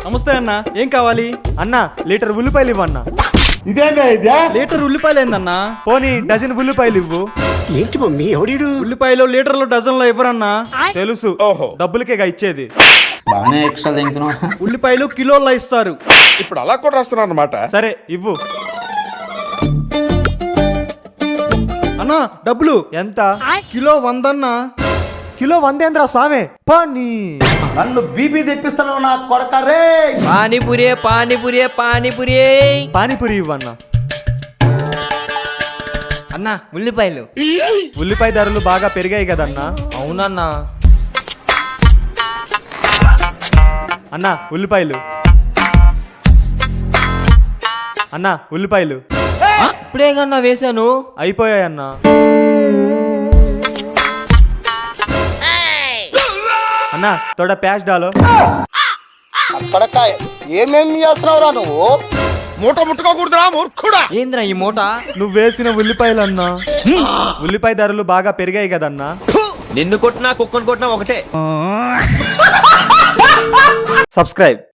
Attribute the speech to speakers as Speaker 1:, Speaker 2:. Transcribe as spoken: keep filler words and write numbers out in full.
Speaker 1: నమస్తే అన్న, ఏం కావాలి?
Speaker 2: అన్న లీటర్ ఉల్లిపాయలు ఇవ్వన్నా.
Speaker 1: లీటర్ ఉల్లిపాయలు ఏందన్నా?
Speaker 2: పోనీ డజన్ ఉల్లిపాయలు ఇవ్వు.
Speaker 3: ఏంటి మమ్మీ ఎవడీడు?
Speaker 1: ఉల్లిపాయలు లీటర్లు డజన్ లో ఇవ్వరన్నా.
Speaker 2: తెలుసు, డబ్బులకేగా ఇచ్చేది.
Speaker 4: బాగానే ఎక్స్ట్రా తింటున్నావు.
Speaker 1: ఉల్లిపాయలు కిలోల్లో ఇస్తారు.
Speaker 5: ఇప్పుడు అలా కూడా రాస్తున్నారు అన్నమాట.
Speaker 2: సరే ఇవ్వు.
Speaker 1: అన్నా డబ్బులు
Speaker 2: ఎంత?
Speaker 1: కిలో వందన్నా.
Speaker 2: కిలో వందేంద్ర స్వామి. పానీ
Speaker 3: నన్ను బీపీ తెప్పిస్తాను నా కొడక రే.
Speaker 6: పానీపూరి పానీపూరి పానీపూరి
Speaker 2: పానీపూరి ఇవ్వన్నా.
Speaker 6: అన్నా ఉల్లిపాయలు.
Speaker 2: ఉల్లిపాయ ధరలు బాగా పెరిగాయి కదన్నా.
Speaker 6: అవునన్నా.
Speaker 2: అన్నా ఉల్లిపాయలు. అన్నా ఉల్లిపాయలు.
Speaker 6: ఇప్పుడే కన్నా వేసాను.
Speaker 2: అయిపోయాయన్నా. అన్నా తోడ ప్యాచ్ డాలో.
Speaker 3: కొడక ఏమేం చేస్తున్నావురా నువ్వు?
Speaker 5: మూట ముట్టుకోకూడదురా మూర్ఖుడా.
Speaker 6: ఏంద్రా ఈ మూట?
Speaker 2: నువ్వు వేసిన ఉల్లిపాయలు అన్నా. ఉల్లిపాయ ధరలు బాగా పెరిగాయి కదన్నా.
Speaker 6: నిన్ను కొట్టినా కుక్కను కొట్టినా ఒకటే.
Speaker 2: సబ్స్క్రైబ్.